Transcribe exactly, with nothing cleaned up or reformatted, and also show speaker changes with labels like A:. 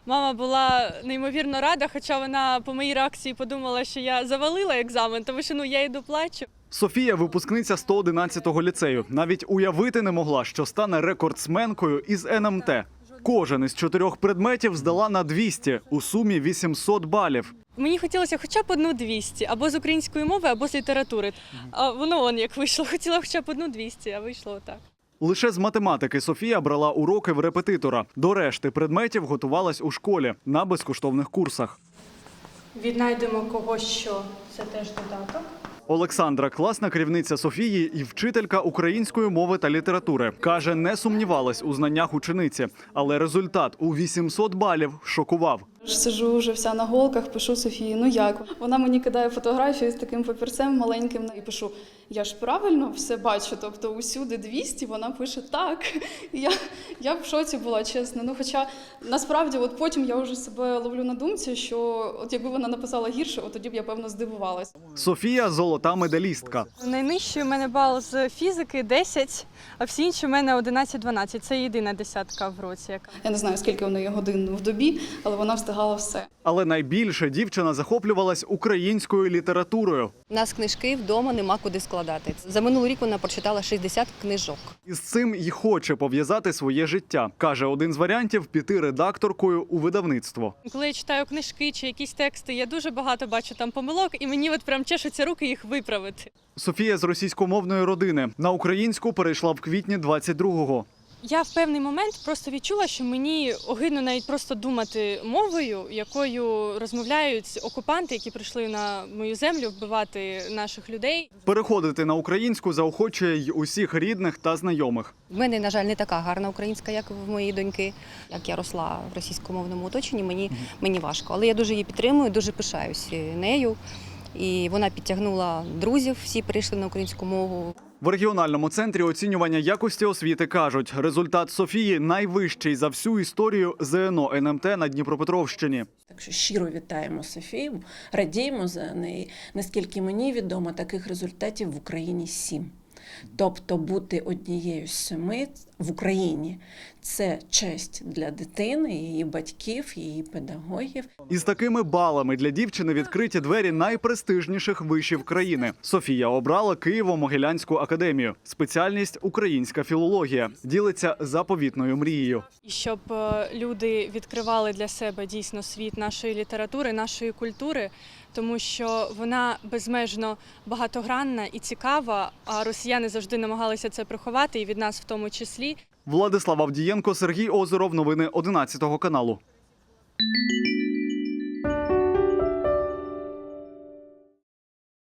A: Мама була неймовірно рада, хоча вона по моїй реакції подумала, що я завалила екзамен, тому що ну, я йду плачу.
B: Софія – випускниця сто одинадцятого ліцею. Навіть уявити не могла, що стане рекордсменкою із ен ем те. Кожен із чотирьох предметів здала на двісті, у сумі вісімсот балів.
A: Мені хотілося хоча б одну двісті, або з української мови, або з літератури. А воно он як вийшло. Хотіла хоча б одну двісті, а вийшло отак.
B: Лише з математики Софія брала уроки в репетитора. До решти предметів готувалась у школі на безкоштовних курсах.
A: Віднайдемо когось, що це теж додаток.
B: Олександра – класна керівниця Софії і вчителька української мови та літератури. Каже, не сумнівалась у знаннях учениці, але результат у вісімсот балів шокував.
C: Сиджу вже вся на голках, пишу Софії, ну як? Вона мені кидає фотографію з таким папірцем маленьким і пишу, я ж правильно все бачу, тобто усюди двісті, вона пише так. І я, я в шоці була, чесно. Ну, хоча насправді от потім я вже себе ловлю на думці, що от якби вона написала гірше, от тоді б я, певно, здивувалась.
B: Софія – золота медалістка.
A: Найнижчий у мене бал з фізики десять, а всі інші у мене одинадцять-дванадцять. Це єдина десятка в році. Яка.
C: Я не знаю, скільки в неї годин в добі, але вона встигала все.
B: Але найбільше дівчина захоплювалась українською літературою.
D: У нас книжки вдома нема куди складати. За минулий рік вона прочитала шістдесят книжок.
B: Із цим й хоче пов'язати своє життя. Каже, один з варіантів – піти редакторкою у видавництво.
A: Коли я читаю книжки чи якісь тексти, я дуже багато бачу там помилок, і мені от прям чешуться руки їх виправити.
B: Софія з російськомовної родини. На українську перейшла в квітні двадцять другого.
A: Я в певний момент просто відчула, що мені огидно навіть просто думати мовою, якою розмовляють окупанти, які прийшли на мою землю вбивати наших людей.
B: Переходити на українську заохочує й усіх рідних та знайомих.
D: В мене, на жаль, не така гарна українська, як в моєї доньки. Як я росла в російськомовному оточенні, мені, мені важко. Але я дуже її підтримую, дуже пишаюся нею. І вона підтягнула друзів, всі перейшли на українську мову.
B: В регіональному центрі оцінювання якості освіти кажуть, результат Софії найвищий за всю історію зе ен о ен ем те на Дніпропетровщині.
E: Так що щиро вітаємо Софію, радіємо за неї. Наскільки мені відомо, таких результатів в Україні сім. Тобто бути однією з семи в Україні – це честь для дитини, її батьків, її педагогів.
B: Із такими балами для дівчини відкриті двері найпрестижніших вишів країни. Софія обрала Києво-Могилянську академію. Спеціальність – українська філологія. Ділиться заповітною мрією.
A: І щоб люди відкривали для себе дійсно світ нашої літератури, нашої культури, тому що вона безмежно багатогранна і цікава, а росіяни завжди намагалися це приховати, і від нас в тому числі.
B: Владислав Авдієнко, Сергій Озеров. Новини одинадцятого каналу.